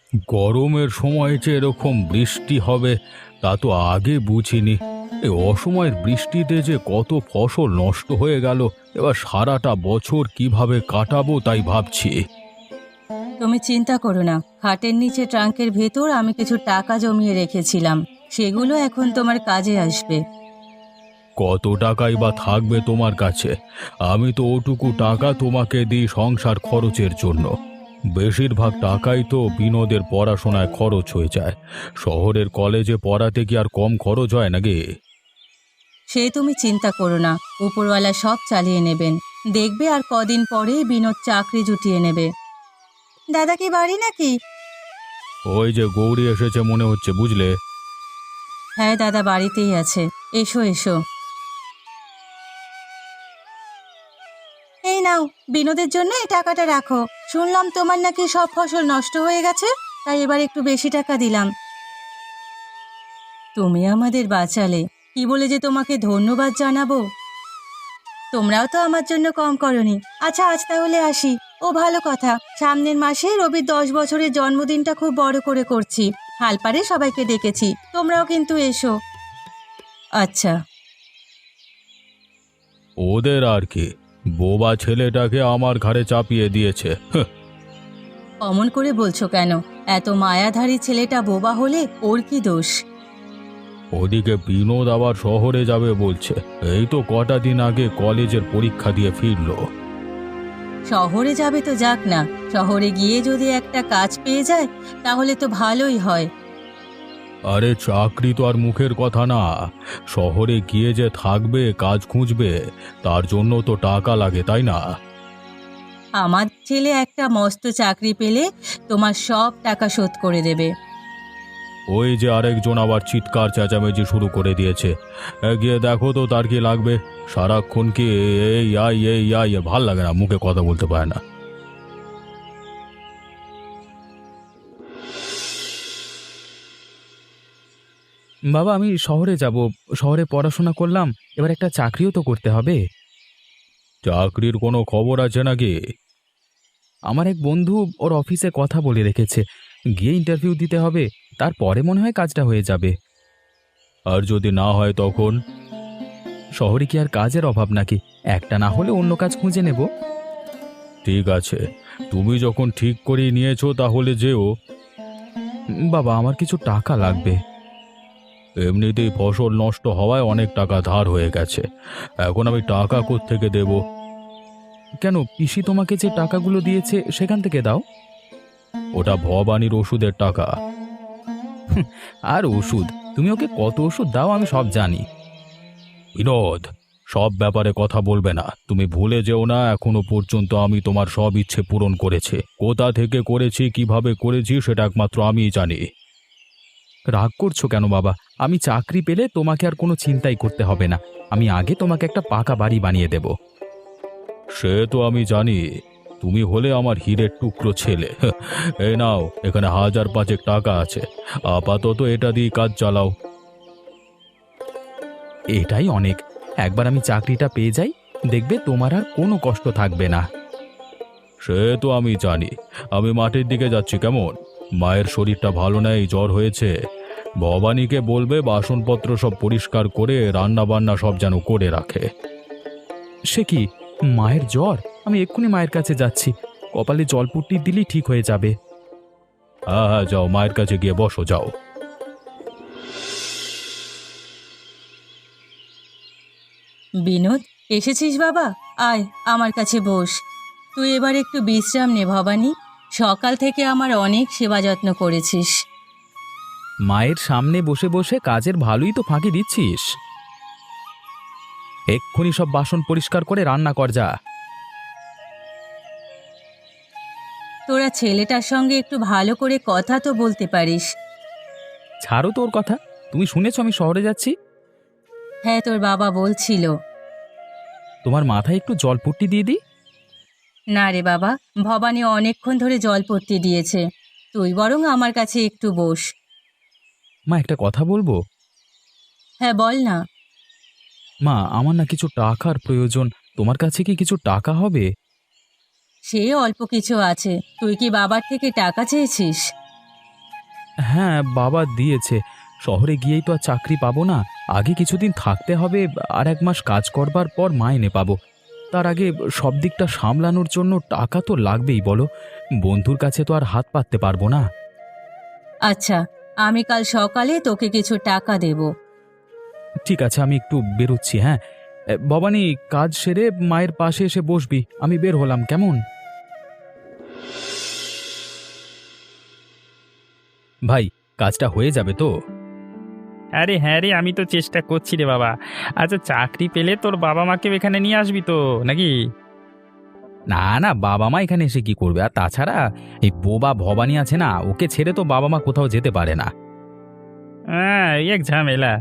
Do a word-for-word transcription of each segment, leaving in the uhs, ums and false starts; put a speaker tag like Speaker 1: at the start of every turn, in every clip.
Speaker 1: গরমের সময় যে এরকম বৃষ্টি হবে তা তো আগে বুঝিনি। এই অসময়ের বৃষ্টিতে যে কত ফসল নষ্ট হয়ে গেল, এবার সারাটা বছর কিভাবে কাটাবো তাই ভাবছি।
Speaker 2: তুমি চিন্তা করো না, খাটের নিচে ট্রাঙ্কের ভেতর আমি কিছু টাকা জমিয়ে রেখেছিলাম, সেগুলো এখন তোমার কাজে আসবে।
Speaker 1: কত টাকাই বা থাকবে তোমার কাছে? আমি তো ওটুকু টাকা তোমাকে দিই সংসার খরচের জন্য। বেশিরভাগ টাকাই তো বিনোদের পড়াশোনায় খরচ হয়ে যায়। শহরের কলেজে পড়াতে কি আর কম খরচ হয় নাকি?
Speaker 2: সে তুমি চিন্তা করো না, উপরওয়ালা সব চালিয়ে নেবেন। দেখবে আর কদিন পরেই বিনোদ চাকরি জুটিয়ে নেবে। দাদা কি বাড়ি নাকি?
Speaker 1: ওই যে গৌরী এসেছে মনে হচ্ছে, বুঝলে।
Speaker 2: হ্যাঁ দাদা বাড়িতেই আছে, এসো এসো। এই নাও, বিনোদের জন্য এই টাকাটা রাখো। শুনলাম তোমার নাকি সব ফসল নষ্ট হয়ে গেছে, তাই এবার একটু বেশি টাকা দিলাম। তুমি আমাদের বাঁচালে, কি বলে যে তোমাকে ধন্যবাদ জানাবো। তোমরাও তো আমার জন্য কম করনি। আচ্ছা আজ তাহলে আসি। ও ভালো কথা, সামনের মাসে রবির দশ বছরের জন্মদিনটা খুব বড় করে করছি। হালপাড়ে সবাইকে ডেকেছি, তোমরাও কিন্তু এসো। আচ্ছা।
Speaker 1: ওদের আর কি, বোবা ছেলেটাকে আমার ঘাড়ে চাপিয়ে দিয়েছে। হ্যাঁ।
Speaker 2: অমন করে বলছো কেন? এত মায়াধারী ছেলেটা বোবা হলে ওর কি দোষ?
Speaker 1: ওদিকে বিনোদ আবার শহরে যাবে বলছে। এই তো কটা দিন আগে কলেজের পরীক্ষা দিয়ে ফিরলো।
Speaker 2: শহরে যাবে তো যাক না, শহরে গিয়ে যদি একটা কাজ পেয়ে যায় তাহলে তো ভালোই হয়।
Speaker 1: আরে চাকরি তো আর মুখের কথা না। শহরে গিয়ে যে থাকবে, কাজ খুঁজবে, তার জন্য তো টাকা লাগে, তাই না?
Speaker 2: আমার ছেলে একটা মস্ত চাকরি পেলে তোমার সব টাকা শোধ করে দেবে।
Speaker 1: ওই যে আরেকজন আবার চিৎকার চেঁচামেচি শুরু করে দিয়েছে। এ, গিয়ে দেখো তো তার কি লাগবে। সারাক্ষণ কি এই আই এই আই, ভাল লাগে না, মুখে কথা বলতে পারে না।
Speaker 3: বাবা, আমি শহরে যাব। শহরে পড়াশোনা করলাম, এবার একটা চাকরিও তো করতে হবে।
Speaker 1: চাকরির কোনো খবর আছে নাকি?
Speaker 3: আমার এক বন্ধু ওর অফিসে কথা বলে রেখেছে, গিয়ে ইন্টারভিউ দিতে হবে, তারপরে মনে হয় কাজটা হয়ে যাবে।
Speaker 1: আর যদি না হয় তখন?
Speaker 3: শহরে কি আর কাজের অভাব নাকি? একটা না হলে অন্য কাজ খুঁজে নেব।
Speaker 1: ঠিক আছে, তুমি যখন ঠিক করে নিয়েছো তাহলে যেও।
Speaker 3: উম, বাবা, আমার কিছু টাকা লাগবে।
Speaker 1: এমনিতেই ফসল নষ্ট হওয়ায় অনেক টাকা ধার হয়ে গেছে। এখন আমি টাকা কোত্থেকে দেব?
Speaker 3: কেন, পিসি তোমাকে যে টাকাগুলো দিয়েছে সেখান থেকে দাও।
Speaker 1: ওটা ভবানীর ওষুধের টাকা।
Speaker 3: আর ওষুধ? তুমি ওকে কত ওষুধ দাও আমি সব জানি।
Speaker 1: বিনোদ, সব ব্যাপারে কথা বলবে না। তুমি ভুলে যেও না, এখনো পর্যন্ত আমি তোমার সব ইচ্ছে পূরণ করেছি। কোথা থেকে করেছি, কিভাবে করেছি, সেটা একমাত্র আমিই জানি।
Speaker 3: রাগ করছো কেন বাবা? আমি চাকরি পেলে তোমাকে আর কোনো চিন্তাই করতে হবে না। আমি আগে তোমাকে একটা পাকা বাড়ি বানিয়ে দেব।
Speaker 1: সে তো আমি জানি। তুমি হলে আমার হীরের টুকরো ছেলে। এই নাও, এখানে হাজার পাঁচেক টাকা আছে। আপাতত এটা দিয়ে কাজ চালাও।
Speaker 3: এটাই অনেক। একবার আমি চাকরিটা পেয়ে যাই, দেখবে তোমার আর কোনো কষ্ট থাকবে না।
Speaker 1: সে তো আমি জানি। আমি মাঠের দিকে যাচ্ছি, কেমন? মায়ের শরীরটা ভালো নেই, জ্বর হয়েছে। ভবানীকে বলবে বাসনপত্র সব পরিষ্কার করে রান্না বান্না সব যেন করে রাখে।
Speaker 3: সে কি, মায়ের জ্বর? আমি এক্ষুনি মায়ের কাছে যাচ্ছি। কপালে জলপুট্টি দিলেই ঠিক হয়ে যাবে।
Speaker 1: হ্যাঁ হ্যাঁ, যাও, মায়ের কাছে গিয়ে বসো, যাও।
Speaker 2: বিনোদ, এসেছিস বাবা? আয় আমার কাছে বস। তুই এবার একটু বিশ্রাম নে ভবানী। সকাল থেকে আমার অনেক সেবা যত্ন করেছিস।
Speaker 3: মায়ের সামনে বসে বসে কাজের ভালোই তো ফাঁকি দিচ্ছিস। এক্ষুনি সব বাসন পরিষ্কার করে রান্না কর, যা।
Speaker 2: তোরা ছেলেটার সঙ্গে একটু ভালো করে কথা তো বলতে পারিস।
Speaker 3: ছাড়ো তোর কথা। তুমি শুনেছ আমি শহরে যাচ্ছি?
Speaker 2: হ্যাঁ, তোর বাবা বলছিল।
Speaker 3: তোমার মাথায় একটু জলপুট্টি দিয়ে দিই।
Speaker 2: না রে বাবা, ভবানী অনেকক্ষণ ধরে জলপট্টি দিয়েছে। তুই বরং আমার কাছে একটু বস।
Speaker 3: মা, একটা কথা বলবো?
Speaker 2: হ্যাঁ বল না।
Speaker 3: মা, আমার না কিছু টাকার প্রয়োজন। তোমার কাছে কি কিছু টাকা হবে?
Speaker 2: সে অল্প কিছু আছে। তুই কি বাবার থেকে টাকা চেয়েছিস?
Speaker 3: হ্যাঁ, বাবা দিয়েছে। শহরে গিয়েই তো আর চাকরি পাবো না। আগে কিছুদিন থাকতে হবে, আর এক মাস কাজ করবার পর মাইনে পাবো। তার আগে সব দিকটা সামলানোর জন্য টাকা তো লাগবেই বলো। বন্ধুর কাছে তো আর হাত পাততে পারবো না।
Speaker 2: আচ্ছা, আমি কাল সকালে তোকে কিছু টাকা দেব।
Speaker 3: ঠিক আছে, আমি একটু বেরোচ্ছি, হ্যাঁ। এ, ভবানী, কাজ সেরে মায়ের পাশে এসে বসবি। আমি বের হলাম, কেমন? ভাই, কাজটা হয়ে যাবে তো?
Speaker 4: আরে হ্যাঁ রে, আমি তো চেষ্টা করছি রে বাবা। আচ্ছা, চাকরি পেলে তোর বাবা মাকেও এখানে নিয়ে আসবি তো নাকি?
Speaker 3: না না, বাবা মা এখানে এসে কি করবে? আর তাছাড়া এই বোবা ভবানী আছে না, ওকে ছেড়ে তো বাবা মা কোথাও যেতে পারে না।
Speaker 4: হ্যাঁ, এই এক ঝামেলা।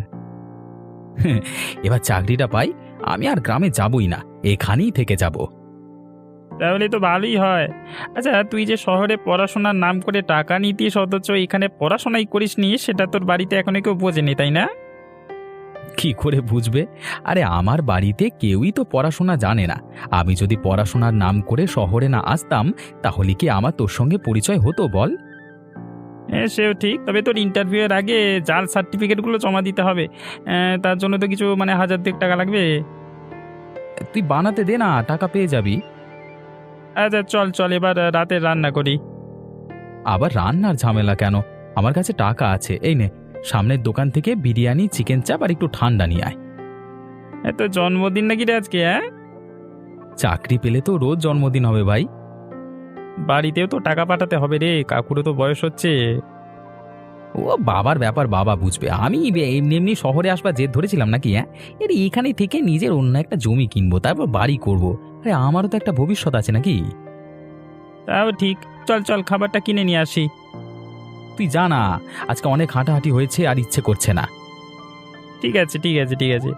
Speaker 3: এবার চাকরিটা পাই, আমি আর গ্রামে যাবই না, এখানেই থেকে যাব।
Speaker 4: তাহলে তো ভালোই হয়। আচ্ছা, তুই যে শহরে পড়াশোনার নাম করে টাকা নিতিস, অথচ এখানে পড়াশোনাই করিস নি, সেটা তোর বাড়িতে এখনো কেউ বোঝেনি, তাই না?
Speaker 3: কি করে বুঝবে? আরে আমার বাড়িতে কেউই তো পড়াশোনা জানে না। আমি যদি পড়াশোনার নাম করে শহরে না আসতাম, তাহলে কি আমার তোর সঙ্গে পরিচয় হতো বল?
Speaker 4: হ্যাঁ, সেও ঠিক। তবে তোর ইন্টারভিউ এর আগে জাল সার্টিফিকেটগুলো জমা দিতে হবে। আহ, তার জন্য তো কিছু মানে হাজার দুয়েক টাকা লাগবে।
Speaker 3: তুই বানাতে দে না, টাকা পেয়ে যাবি।
Speaker 4: আচ্ছা, চল চল এবার রাতে রান্না করি।
Speaker 3: আবার রান্নার ঝামেলা কেন? আমার কাছে টাকা আছে, এই নে, সামনের দোকান থেকে বিরিয়ানি, চিকেন চাপ আর একটু ঠান্ডা নিয়ে আয়।
Speaker 4: এ তো জন্মদিন নাকি রে আজকে? হ্যাঁ,
Speaker 3: চাকরি পেলে তো রোজ জন্মদিন হবে ভাই।
Speaker 4: বাড়িতেও তো টাকা পাঠাতে হবে রে, কাকুরও তো বয়স হচ্ছে।
Speaker 3: ও বাবার ব্যাপার, বাবা বুঝবে। আমি বে- এমনি এমনি শহরে আসবার জেদ ধরেছিলাম নাকি? হ্যাঁ, এর এখানে থেকে নিজের অন্য একটা জমি কিনবো, তারপর বাড়ি করব। আরে আমারও তো একটা ভবিষ্যৎ আছে নাকি?
Speaker 4: তাও ঠিক। চল চল, খাবারটা কিনে নিয়ে আসি।
Speaker 3: তুই জানা, আজকে অনেক হাঁটাহাঁটি হয়েছে আর ইচ্ছে করছে না।
Speaker 4: ঠিক আছে ঠিক আছে ঠিক আছে।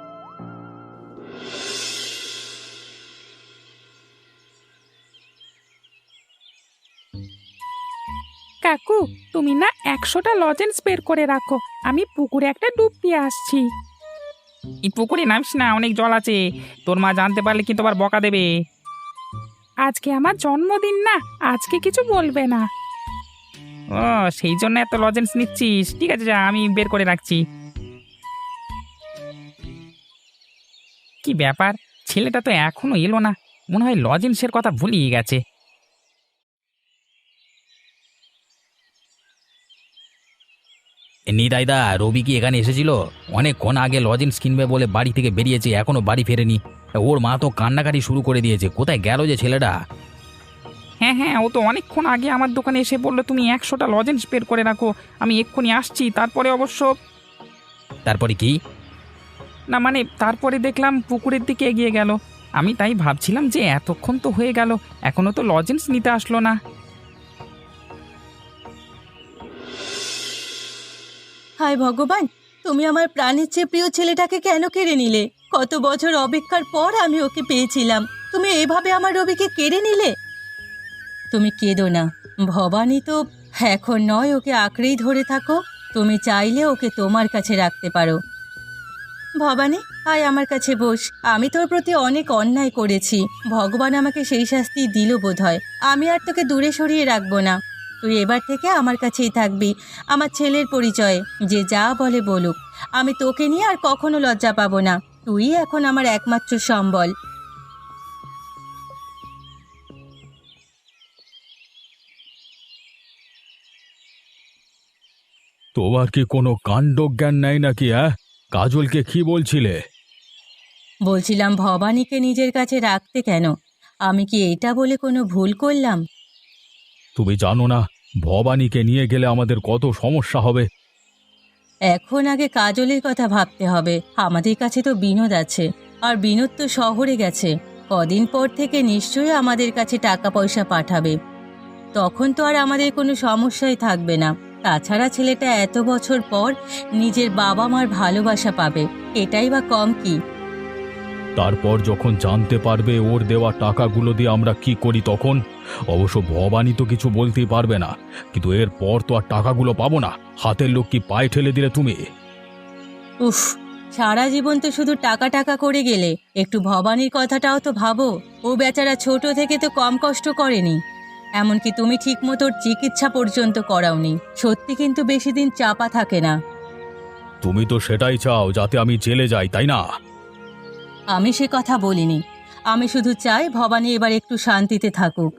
Speaker 5: কাকু, তুমি না একশোটা লজেন্স বের করে রাখো, আমি পুকুরে একটা ডুব দিয়ে আসছি।
Speaker 4: এই পুকুরে নামস না, অনেক জল আছে। তোর মা জানতে পারলে কিন্তু আবার বকা দেবে।
Speaker 5: আজকে আমার জন্মদিন না, আজকে কিছু বলবে না।
Speaker 4: ও, সেই জন্য এত লজেন্স নিচ্ছিস? ঠিক আছে, যা, আমি বের করে রাখছি। কি ব্যাপার, ছেলেটা তো এখনো এলো না। মনে হয় লজেন্সের কথা ভুলিয়ে গেছে।
Speaker 3: নিতাইদা, রবি কি এখানে এসেছিল? অনেকক্ষণ আগে লজেন্স কিনবে বলে বাড়ি থেকে বেরিয়েছে, এখনো বাড়ি ফেরেনি। ওর মা তো কান্নাকাটি শুরু করে দিয়েছে। কোথায় গেল যে ছেলেটা?
Speaker 4: হ্যাঁ হ্যাঁ, ও তো অনেকক্ষণ আগে আমার দোকানে এসে বললো তুমি একশোটা লজেন্স বের করে রাখো, আমি এক্ষুনি আসছি। তারপরে অবশ্য
Speaker 3: তারপরে কি?
Speaker 4: না মানে তারপরে দেখলাম পুকুরের দিকে এগিয়ে গেল। আমি তাই ভাবছিলাম যে এতক্ষণ তো হয়ে গেল, এখনো তো লজেন্স নিতে আসলো না।
Speaker 2: হায় ভগবান, তুমি আমার প্রাণের চেয়ে প্রিয় ছেলেটাকে কেন কেড়ে নিলে? কত বছর অপেক্ষার পর আমি ওকে পেয়েছিলাম, তুমি এভাবে আমার রবিকে কেড়ে নিলে। তুমি কেঁদো না, ভবানী তো এখন নয়, ওকে আঁকড়েই ধরে থাকো। তুমি চাইলে ওকে তোমার কাছে রাখতে পারো। ভবানী, আয় আমার কাছে বস। আমি তোর প্রতি অনেক অন্যায় করেছি, ভগবান আমাকে সেই শাস্তি দিল বোধহয়। আমি আর তোকে দূরে সরিয়ে রাখবো না, তুই এবার থেকে আমার কাছেই থাকবি। আমার ছেলের পরিচয়ে যে যা বলে বলুক, আমি তোকে নিয়ে আর কখনো লজ্জা পাবো না। তুই এখন আমার একমাত্র সম্বল।
Speaker 1: তোমার কি কোনো কাণ্ডজ্ঞান নেই নাকি? হ্যাঁ, কাজলকে কি বলছিলে?
Speaker 2: বলছিলাম ভবানীকে নিজের কাছে রাখতে কেন? আমি কি এটা বলে কোনো ভুল করলাম?
Speaker 1: তুমি জানো না ভবানীকে নিয়ে গেলে আমাদের কত সমস্যা হবে?
Speaker 2: এখন আগে কাজলের কথা ভাবতে হবে। আমাদের কাছে তো বিনোদ আছে, আর বিনোদ তো শহরে গেছে। কদিন পর থেকে নিশ্চয়ই আমাদের কাছে টাকা পয়সা পাঠাবে, তখন তো আর আমাদের কোনো সমস্যাই থাকবে না। তাছাড়া ছেলেটা এত বছর পর নিজের বাবা মার ভালোবাসা পাবে, এটাই বা কম কি?
Speaker 1: তারপর যখন জানতে পারবে ওর দেওয়া টাকাগুলো দিয়ে আমরা কি করি তখন? অবশ্য ভবানী তো কিছু বলতেই পারবে না, কিন্তু এরপর তো আর টাকাগুলো পাবো না। হাতের লোক কি পায়ে ঠেলে দিলে তুমি?
Speaker 2: উফ, সারা জীবন তো শুধু টাকা টাকা করে গেলে, একটু ভবানীর কথাটাও তো ভাবো। ও বেচারা ছোট থেকে তো কম কষ্ট করেনি। এমনকি তুমি ঠিক মতো চিকিৎসা পর্যন্ত করাওনি। সত্যি কিন্তু বেশি দিন চাপা থাকে না।
Speaker 1: তুমি তো সেটাই চাও যাতে আমি জেলে যাই, তাই না?
Speaker 2: আমি সে কথা বলিনি। আমি শুধু চাই ভবানী এবার একটু শান্তিতে থাকুক।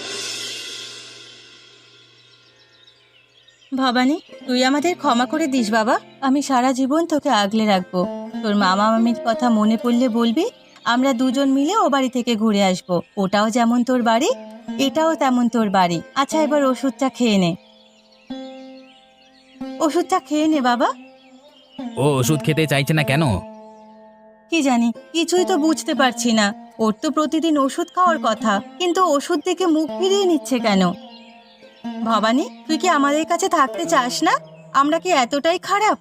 Speaker 2: ভবানী, তুই আমাদের ক্ষমা করে দিস বাবা। আমি সারা জীবন তোকে আগলে রাখবো। তোর মামা মামির কথা মনে পড়লে বলবি, আমরা দুজন মিলে ও বাড়ি থেকে ঘুরে আসবো। ওটাও যেমন তোর বাড়ি, এটাও তেমন তোর বাড়ি। আচ্ছা, এবার ওষুধটা খেয়ে নে। ওষুধটা খেয়ে নে বাবা।
Speaker 3: ও ওষুধ খেতে চাইছে না কেন?
Speaker 2: কি জানি, কিছুই তো বুঝতে পারছি না। ওর তো প্রতিদিন ওষুধ খাওয়ার কথা, কিন্তু ওষুধ থেকে মুখ ফিরিয়ে নিচ্ছে কেন? ভবানী, তুই কি আমাদের কাছে থাকতে চাস না? আমরা কি এতটাই খারাপ?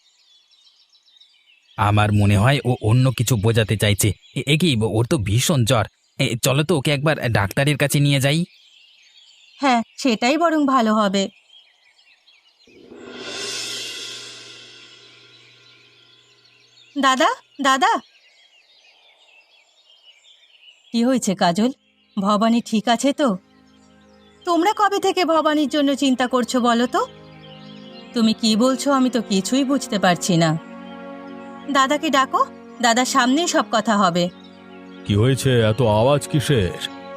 Speaker 3: আমার মনে হয় ও অন্য কিছু বোঝাতে চাইছে। এ- এ কি, ওর তো ভীষণ জ্বর। এ, চলো তো ওকে একবার ডাক্তারের কাছে নিয়ে যাই।
Speaker 2: হ্যাঁ, সেটাই বরং ভালো হবে। দাদা, দাদা। কি হয়েছে কাজল? ভবানী ঠিক আছে তো? তোমরা কবে থেকে ভবানীর জন্য চিন্তা করছো বলো তো? তুমি কি বলছো আমি তো কিছুই বুঝতে পারছি না। দাদাকে ডাকো, দাদার সামনেই সব কথা হবে।
Speaker 1: কি হয়েছে? এত আওয়াজ কিসের?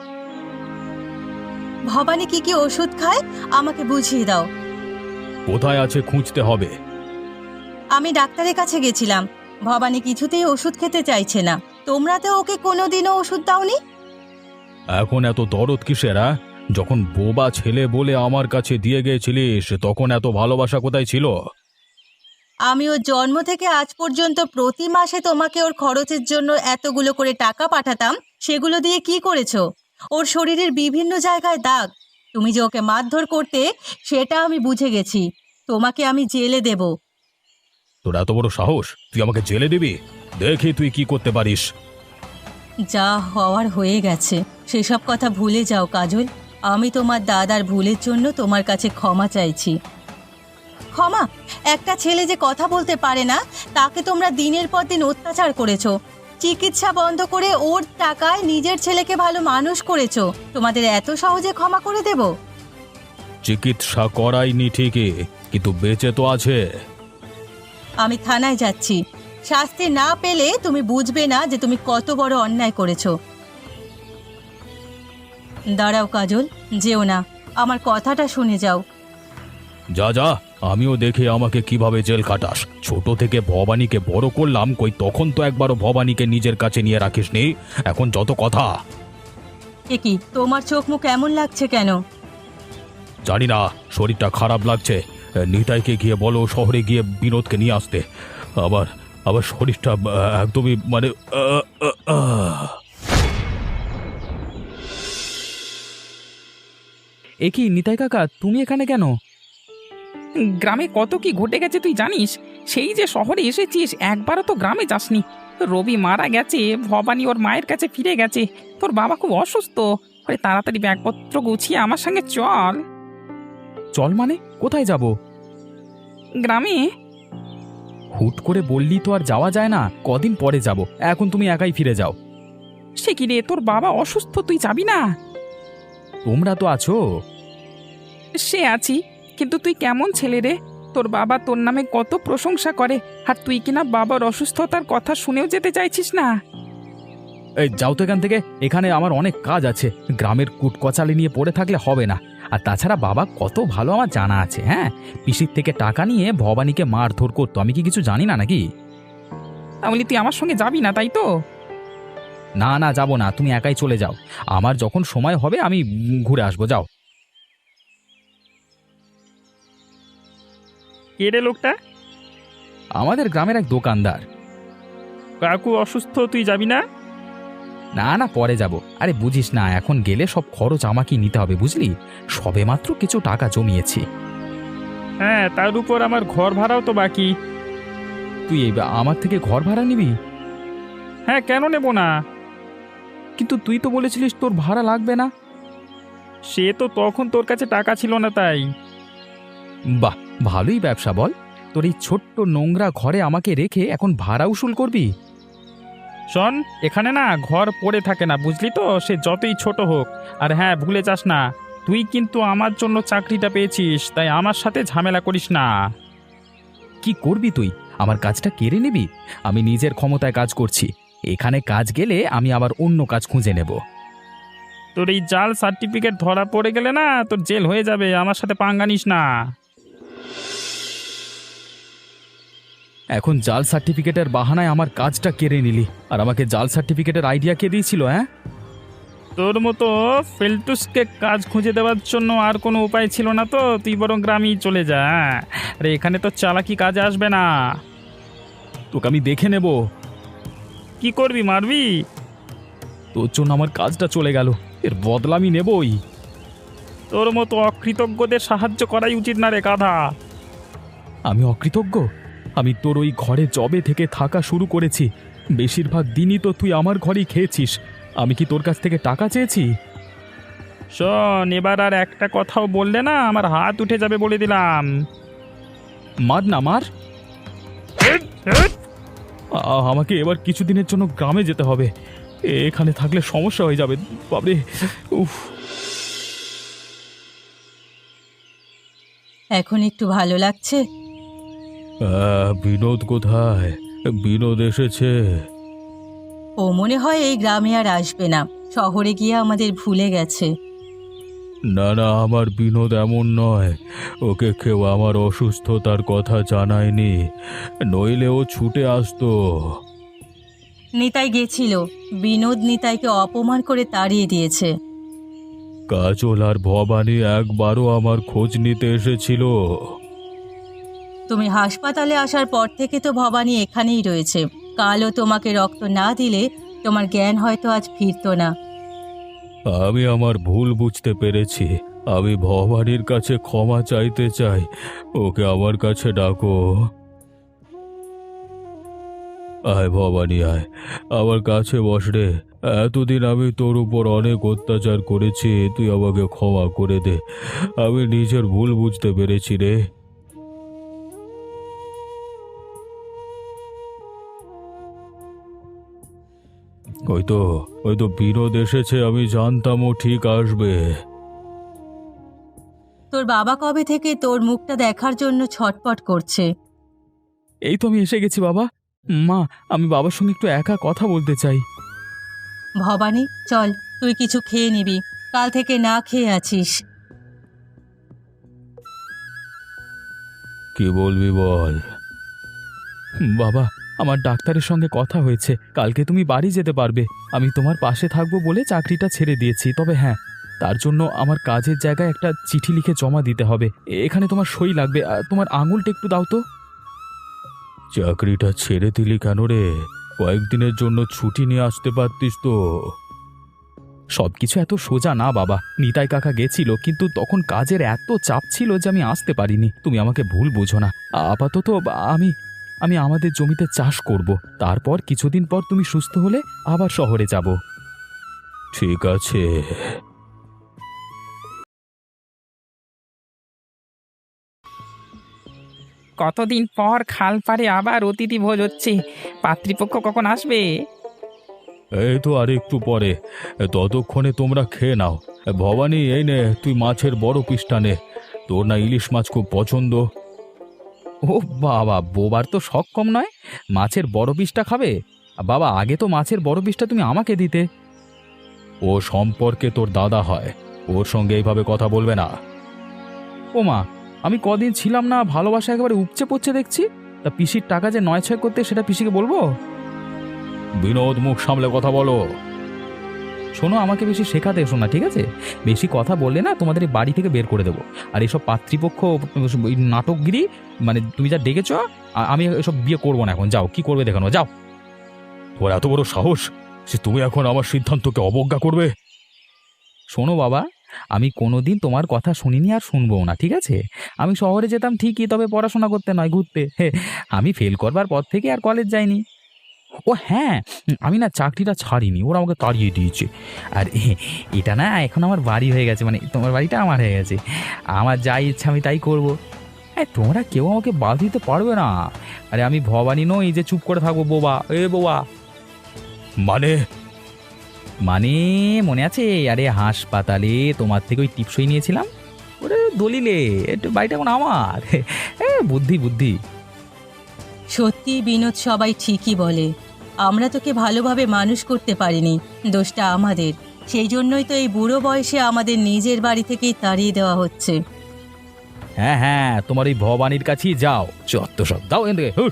Speaker 2: ভবানী কি কি ওষুধ খায় আমাকে বুঝিয়ে দাও।
Speaker 1: কোথায় আছে খুঁজতে হবে।
Speaker 2: আমি ডাক্তারের কাছে গেছিলাম, ভবানী কিছুতেই ওষুধ খেতে চাইছে না। তোমরা তো ওকে কোনোদিনও ওষুধ দাওনি।
Speaker 1: এখন এত দরদ কিসের? আ? যখন বোবা ছেলে বলে আমার কাছে দিয়ে গিয়েছিলিস তখন এত ভালোবাসা কোথায় ছিল?
Speaker 2: আমি ওর জন্ম থেকে আজ পর্যন্ত প্রতি মাসে তোমাকে ওর খরচের জন্য এতগুলো করে টাকা পাঠাতাম। সেগুলো দিয়ে কি করেছো? ওর শরীরের বিভিন্ন জায়গায় দাগ। তুমি যে ওকে মারধর করতে, সেটা আমি বুঝে গেছি। তোমাকে আমি জেলে দেব।
Speaker 1: তোর এত বড় সাহস, তুই আমাকে জেলে দিবি? দেখি তুই কি করতে পারিস।
Speaker 2: যা হওয়ার হয়ে গেছে, সেসব কথা ভুলে যাও কাজল। আমি তোমার দাদার ভুলের জন্য তোমার কাছে ক্ষমা চাইছি। ক্ষমা? একটা ছেলে যে কথা বলতে পারে না, তাকে তোমরা দিনের পর দিন অত্যাচার করেছো। চিকিৎসা বন্ধ করে ওর টাকায় নিজের ছেলেকে ভালো মানুষ করেছো। তোমাদের এত সহজে ক্ষমা করে দেব?
Speaker 1: চিকিৎসা করাইনি ঠিকই, কিন্তু বেঁচে তো আছে।
Speaker 2: আমি থানায় যাচ্ছি। শাস্তি না পেলে তুমি বুঝবে না যে তুমি কত বড় অন্যায় করেছো। দাঁড়াও কাজল, যেও না, আমার কথাটা শুনে যাও।
Speaker 1: যা যা, আমিও দেখি আমাকে কিভাবে জেল কাটাস। ছোট থেকে ভবানীকে বড় করলাম, কই তখন তো একবারও ভবানীকে নিজের কাছে নিয়ে রাখিসনি। এখন যত কথা।
Speaker 2: এ কি, তোমার চোখ মুখ এমন লাগছে কেন?
Speaker 1: জানি না, শরীরটা খারাপ লাগছে। নিতাইকে গিয়ে বলো শহরে গিয়ে বিনোদকে নিয়ে আসতে। আবার আবার শরীরটা আহ, একদমই মানে আহ, আহ, আহ।
Speaker 3: এ কি নিতাই কাকা, তুমি এখানে কেন?
Speaker 5: গ্রামে কত কি ঘটে গেছে তুই জানিস? সেই যে শহরে এসেছিস, একবারও তো গ্রামে যাসনি। রবি মারা গেছে, ভবানী ওর মায়ের কাছে ফিরে গেছে, তোর বাবা খুব অসুস্থ। আরে তাড়াতাড়ি ব্যাগপত্র গুছিয়ে আমার সঙ্গে চল।
Speaker 3: চল মানে? কোথায় যাব?
Speaker 5: গ্রামে।
Speaker 3: হুট করে বললি তো আর যাওয়া যায় না। কদিন পরে যাব, এখন তুমি একাই ফিরে যাও।
Speaker 5: সে কি রে, তোর বাবা অসুস্থ, তুই যাবি না?
Speaker 3: তোমরা তো আছো।
Speaker 5: সে আছি, কিন্তু তুই কেমন ছেলে রে? তোর বাবা তোর নামে কত প্রশংসা করে, আর তুই কিনা বাবার অসুস্থতার কথা শুনেও যেতে চাইছিস না।
Speaker 3: এই যাও তো এখান থেকে, এখানে আমার অনেক কাজ আছে। গ্রামের কুটকচালি নিয়ে পড়ে থাকলে হবে না। আর তাছাড়া বাবা কত ভালো আমার জানা আছে। হ্যাঁ, পিসির থেকে টাকা নিয়ে ভবানীকে মারধর করতো, আমি কি কিছু জানি না নাকি?
Speaker 5: তাহলে তুই আমার সঙ্গে যাবি না, তাই তো?
Speaker 3: না না, যাব না, তুমি একাই চলে যাও। আমার যখন সময় হবে আমি উম, ঘুরে আসবো, যাও।
Speaker 4: কে রে লোকটা?
Speaker 3: আমাদের গ্রামের এক দোকানদার।
Speaker 4: কাকু অসুস্থ, তুই যাবি না?
Speaker 3: না না, পরে যাব। আরে বুঝিস না, এখন গেলে সব খরচ আমাকেই নিতে হবে, বুঝলি? সবেমাত্র কিছু টাকা জমিয়েছি।
Speaker 4: হ্যাঁ, তার উপর আমার ঘর ভাড়াও তো বাকি।
Speaker 3: তুই এই আমার থেকে ঘর ভাড়া নিবি?
Speaker 4: হ্যাঁ, কেন নেব না?
Speaker 3: কিন্তু তুই তো বলেছিলিস তোর ভাড়া লাগবে না।
Speaker 4: সে তো তখন তোর কাছে টাকা ছিল না, তাই।
Speaker 3: বাহ, ভালোই ব্যবসা বল। তোর এই ছোট্ট নোংরা ঘরে আমাকে রেখে এখন ভাড়া উসুল করবি?
Speaker 4: শোন, এখানে না ঘর পড়ে থাকে না, বুঝলি তো? সে যতই ছোট হোক। আর হ্যাঁ, ভুলে যাস না, তুই কিন্তু আমার জন্য চাকরিটা পেয়েছিস, তাই আমার সাথে ঝামেলা করিস না।
Speaker 3: কি করবি তুই? আমার কাজটা কেড়ে নিবি? আমি নিজের ক্ষমতায় কাজ করছি। এখানে কাজ গেলে আমি আবার অন্য কাজ খুঁজে নেব।
Speaker 4: তোর এই জাল সার্টিফিকেট ধরা পড়ে গেলে না তোর জেল হয়ে যাবে, আমার সাথে পাঙ্গা নিস না।
Speaker 3: এখন জাল সার্টিফিকেটের বাহানায় আমার কাজটা কেড়ে নিলি, আর আমাকে জাল সার্টিফিকেটের আইডিয়া কে দিয়েছিল? হ্যাঁ,
Speaker 4: তোর মতো ফেলটুসকে কাজ খুঁজে দেওয়ার জন্য আর কোনো উপায় ছিল না তো তুই বরং গ্রামেই চলে যা। আরে এখানে তো চালাকি কাজে আসবে না।
Speaker 3: তোকে আমি দেখে নেব।
Speaker 4: কি করবি, মারবি?
Speaker 3: তোর জন্য আমার কাজটা চলে গেল, এর বদলা আমি নেবই।
Speaker 4: তোর মতো অকৃতজ্ঞদের সাহায্য করাই উচিত না রে গাধা।
Speaker 3: আমি অকৃতজ্ঞ? আমি তোর ওই ঘরে জবে থেকে থাকা শুরু করেছি, বেশিরভাগ দিনই তো তুই আমার ঘরেই খেয়েছিস। আমি কি তোর কাছ থেকে টাকা চেয়েছি?
Speaker 4: শোন, এবার আর একটা কথাও বললে না আমার হাত উঠে যাবে বলে দিলাম।
Speaker 3: মার না, মার। আ- আমাকে এবার কিছুদিনের জন্য গ্রামে যেতে হবে, এখানে থাকলে সমস্যা হয়ে যাবে। বাবরে, উফ।
Speaker 2: এখন একটু ভালো লাগছে?
Speaker 1: আহ, বিনোদ কোথায়? বিনোদ এসেছে?
Speaker 2: ও মনে হয় এই গ্রামে আর আসবে না, শহরে গিয়ে আমাদের ভুলে গেছে।
Speaker 1: না না, আমার বিনোদ এমন নয়। ওকে কেউ আমার অসুস্থতার কথা জানায়নি, নইলে ও ছুটে আসতো।
Speaker 2: নিতাই গেছিল, বিনোদ নিতাইকে অপমান করে তাড়িয়ে দিয়েছে।
Speaker 1: কাজল আর ভবানী একবারও আমার খোঁজ নিতে এসেছিল?
Speaker 2: তুমি হাসপাতালে আসার পর থেকে তো ভবানী এখানেই রয়েছে। কালও তোমাকে রক্ত না দিলে তোমার জ্ঞান হয়তো আজ ফিরতো না।
Speaker 1: আমি আমার ভুল বুঝতে পেরেছি। আমি ভবানীর কাছে ক্ষমা চাইতে চাই। ওকে আমার কাছে ডাকো। আয় ভবানী, আয় আমার কাছে বস রে। এতদিন আমি তোর উপর অনেক অত্যাচার করেছি, তুই আমাকে ক্ষমা করে দে। আমি নিজের ভুল বুঝতে পেরেছি রে। ওই তো ওই তো বিনোদ এসেছে, আমি জানতাম ও ঠিক আসবে।
Speaker 2: তোর বাবা কবে থেকে তোর মুখটা দেখার জন্য ছটপট করছে।
Speaker 3: এই তো আমি এসে গেছি বাবা। মা, আমি বাবার সঙ্গে একটু একা কথা বলতে চাই।
Speaker 2: ভবানী, চল, তুই কিছু খেয়ে নিবি, কাল থেকে না খেয়ে আছিস।
Speaker 1: কি বলবি বল।
Speaker 3: বাবা, আমার ডাক্তারের সঙ্গে কথা হয়েছে, কালকে তুমি বাড়ি যেতে পারবে। আমি তোমার পাশে থাকবো বলে চাকরিটা ছেড়ে দিয়েছি। তবে হ্যাঁ, তার জন্য আমার কাজের জায়গায় একটা চিঠি লিখে জমা দিতে হবে। এখানে তোমার সই লাগবে। আর তোমার আঙুলটা একটু দাও তো।
Speaker 1: চাকরিটা ছেড়ে দিলি কেন রে? কয়েকদিনের জন্য ছুটি নিয়ে আসতে পারতিস তো।
Speaker 3: সবকিছু এত সোজা না বাবা। নিতাই কাকা গেছিল, কিন্তু তখন কাজের এত চাপ ছিল যে আমি আসতে পারিনি। তুমি আমাকে ভুল বুঝো না। আপাতত আমি আমি আমাদের জমিতে চাষ করব, তারপর কিছুদিন পর তুমি সুস্থ হলে আবার শহরে যাব।
Speaker 1: ঠিক আছে।
Speaker 5: কতদিন পর খাল পাড়ে আবার অতিথি ভোজ হচ্ছে। পাত্রীপক্ষ কখন আসবে?
Speaker 1: এই তো আর একটু পরে। ততক্ষণে তোমরা খেয়ে নাও। ভবানী, এই নে তুই মাছের বড় পিসটা নে। তোর না ইলিশ মাছ খুব পছন্দ।
Speaker 3: ও বাবা, বোবার তো শখ কম নয়। মাছের বড় পিসটা খাবে? বাবা, আগে তো মাছের বড় পিসটা তুমি আমাকে দিতে।
Speaker 1: ও সম্পর্কে তোর দাদা হয়, ওর সঙ্গে এইভাবে কথা বলবে না।
Speaker 3: ও মা, আমি কদিন ছিলাম না, ভালোবাসা একেবারে উপচে পড়ছে দেখছি। তা পিসির টাকা যে নয় ছয় করতে, সেটা পিসিকে বলবো?
Speaker 1: বিনোদ, মুখ সামলে কথা বলো।
Speaker 3: শোনো, আমাকে বেশি শেখাতে এসো না, ঠিক আছে? বেশি কথা বললে না তোমাদের এই বাড়ি থেকে বের করে দেবো। আর এইসব পাত্রীপক্ষ, এই নাটকগিরি, মানে তুমি যা ডেকেছ, আ- আমি এসব বিয়ে করবো না এখন। যাও, কি করবে দেখানো, যাও।
Speaker 1: তোর এত বড় সাহস যে তুমি এখন আমার সিদ্ধান্তকে অবজ্ঞা করবে?
Speaker 3: শোনো বাবা, আমি কোনোদিন তোমার কথা শুনিনি আর শুনবো না, ঠিক আছে? আমি শহরে যেতাম ঠিকই, তবে পড়াশোনা করতে নয়, ঘুরতে। হে, আমি ফেল করবার পর থেকে আর কলেজ যাইনি। ও হ্যাঁ, আমি না চাকরিটা ছাড়িনি, ওরা আমাকে তাড়িয়ে দিয়েছে। আর এ- এটা না এখন আমার বাড়ি হয়ে গেছে, মানে তোমার বাড়িটা আমার হয়ে গেছে। আমার যা ইচ্ছা আমি তাই করবো। হ্যাঁ, তোমরা কেউ আমাকে বাধা দিতে পারবে না। আরে আমি ভবানী নই যে চুপ করে থাকবো। বোবা, এ বোবা।
Speaker 1: মানে
Speaker 3: মানে মনে আছে আরে হাসপাতালে তোমার থেকে ওই টিপসই নিয়েছিলাম ওরে দলিলে একটু বাড়িটা এখন আমার এ বুদ্ধি বুদ্ধি
Speaker 2: সত্যি বিনোদ, সবাই ঠিকই বলে। আমরা তোকে ভালোভাবে মানুষ করতে পারিনি, দোষটা আমাদের। সেই জন্যই তো এই বুড়ো বয়সে আমাদের নিজের বাড়ি থেকেই তাড়িয়ে দেওয়া হচ্ছে।
Speaker 3: হ্যাঁ হ্যাঁ তোমার এই ভবানীর কাছেই যাও চত্ব সব দাও এদিকে হুট।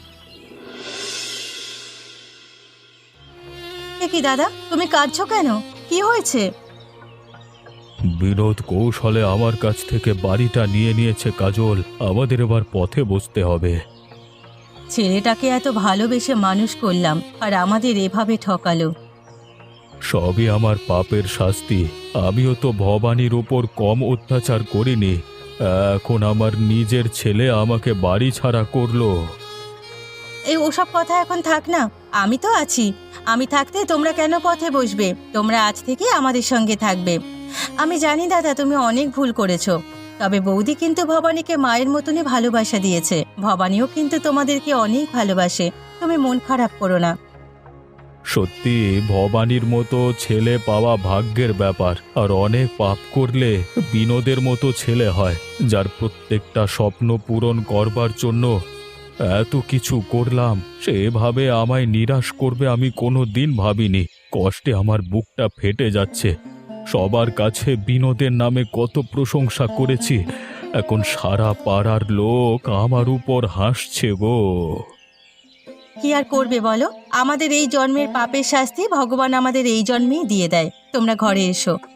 Speaker 2: এ কি দাদা, তুমি কাঁদছো কেন? কি হয়েছে?
Speaker 1: বিনোদ কৌশলে আমার কাছ থেকে বাড়িটা নিয়ে নিয়েছে কাজল। আমাদের এবার পথে বসতে হবে।
Speaker 2: ছেলেটাকে এত ভালোবেসে মানুষ করলাম, আর আমাদের এভাবে ঠকালো।
Speaker 1: সবই আমার পাপের শাস্তি। আমিও তো ভবানীর উপর কম অত্যাচার করিনি। এখন আমার নিজের ছেলে আমাকে বাড়ি ছাড়া করলো।
Speaker 2: এই ওসব কথা এখন থাক না, আমি তো আছি। আমি থাকতে তোমরা কেন পথে বসবে? তোমরা আজ থেকে আমাদের সঙ্গে থাকবে। আমি জানি দাদা, তুমি অনেক ভুল করেছো, তবে বৌদি কিন্তু ভবানীকে মায়ের মতনই ভালোবাসা দিয়েছে। ভবানীও কিন্তু তোমাদেরকে অনেক ভালোবাসে, তুমি মন খারাপ করো না।
Speaker 1: সত্যি ভবানীর মতো ছেলে পাওয়া ভাগ্যের ব্যাপার। আর অনেক পাপ করলে বিনোদের মতো ছেলে হয়, যার প্রত্যেকটা স্বপ্ন পূরণ করবার জন্য এত কিছু করলাম। সে এভাবে আমায় নিরাশ করবে আমি কোনো দিন ভাবিনি। কষ্টে আমার বুকটা ফেটে যাচ্ছে। সবার কাছে বিনোদের নামে কত প্রশংসা করেছি, এখন সারা পাড়ার লোক আমার উপর হাসছে গো।
Speaker 2: কি আর করবে বলো, আমাদের এই জন্মের পাপের শাস্তি ভগবান আমাদের এই জন্মেই দিয়ে দেয়। তোমরা ঘরে এসো।